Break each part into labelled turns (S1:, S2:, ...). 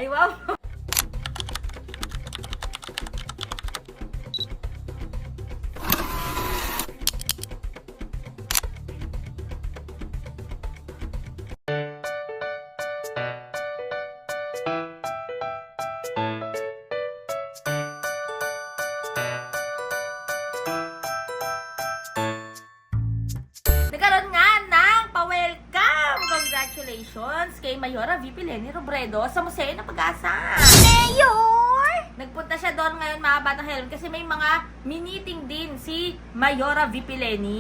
S1: Ay, wow. Nagkaroon nga ng pa-welcome! Congratulations kay Mayora VP Leni Robredo sa Museo ng Pag-asa!
S2: Mayor!
S1: Nagpunta siya doon ngayon mga Batang Helmet kasi may mga miniting din si Mayora VP Leni.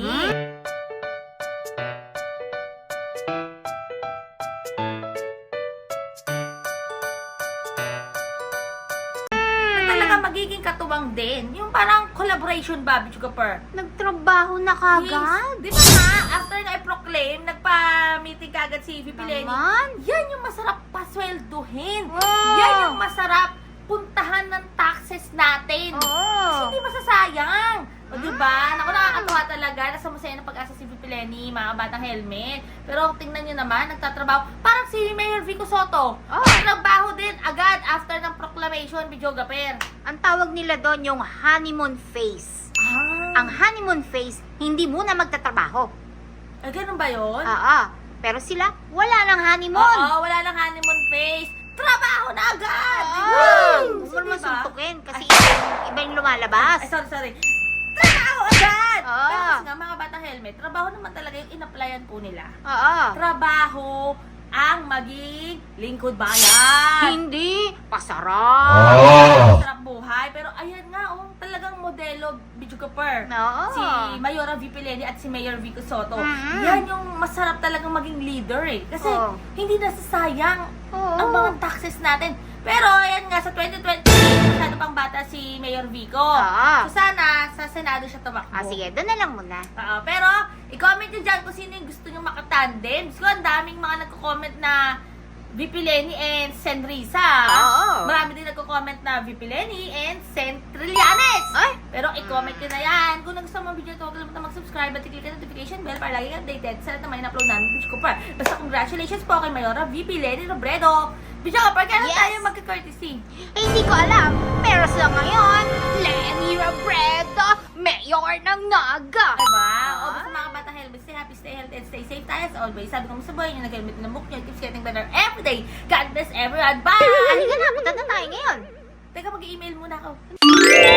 S1: Talaga magiging katuwang din. Yung parang collaboration ba, Bicho Kapar?
S2: Nagtrabaho na kagad?
S1: Di ba nga, after na i-proclaim, nagpa-meeting kagad si VP Leni.
S2: Naman?
S1: Yan yung masarap paswelduhin.
S2: Wow!
S1: Yan yung masarap puntahan ng taxes natin.
S2: Oo.
S1: Kasi hindi masasayang. O diba? Naku, nakakatuwa talaga. Nasa Museo ng Pag-asa si VP Leni, mga Batang Helmet. Pero tingnan nyo naman, nagtatrabaho. Parang si Mayor Vico Soto. Nagtrabaho din agad after ng proclamation, Bijogaper.
S2: Ang tawag nila doon yung honeymoon phase. Ang honeymoon phase, hindi muna magtatrabaho.
S1: Ay, ganun ba yun?
S2: Oo. Pero sila, wala nang honeymoon.
S1: Oo, wala lang honeymoon phase. Trabaho na agad!
S2: Huwag mo
S1: Diba?
S2: naman suntukin kasi iba yung lumalabas.
S1: Ay, sorry. Trabaho agad!
S2: Oo.
S1: Pero kasi nga, mga Batang Helmet, trabaho naman talaga yung in-applyan po nila.
S2: Oo.
S1: Trabaho ang maging lingkod bayan.
S2: Hindi. Pasarap.
S1: Sarap buhay. Pero ayan nga, talagang modelo, Bijugaper.
S2: Oo.
S1: Si Mayora VP Leni at si Mayor Vico Soto.
S2: Mhm.
S1: Yan yung masarap talagang maging leader eh. Kasi
S2: Oo.
S1: hindi nasasayang
S2: Oo.
S1: ang mga taxes natin. Pero ayan nga, sa 2020, masyado pang bata si Mayor Vico.
S2: Oo.
S1: So sana, sa Senado siya tumakbo.
S2: Sige, doon na lang muna.
S1: Oo, pero i-comment nyo dyan kung sino yung gusto nyo makatandem. Gusto ko, ang daming mga nagko-comment na VP Leni and Sen Risa.
S2: Oo.
S1: Marami din nagko-comment na VP Leni and Sen Trillanes.
S2: Ay!
S1: Pero i-comment nyo na yan. Kung nagustuhan mo ang video ito, huwag kalimutan mag-subscribe at i-click ang notification bell para lagi kang updated sa lahat ng mga in-upload namin video ko pa. Basta congratulations po kay Mayora VP Leni Robredo. Video ko pa, kailan
S2: Yes.
S1: tayo magka-courtesy?
S2: Hindi ko alam, pero sa ngayon, Leni Robredo, Mayor ng Naga.
S1: Diba? O basta mga Batang Helmet, stay happy, stay healthy, and stay safe tayo as always. Sabi ko mo sa buhay nyo, nag-helmet na mukha nyo, keeps getting better every day. God bless everyone. Bye!
S2: Halika na, punta na tayo ngayon.
S1: Teka, mag-email muna ako.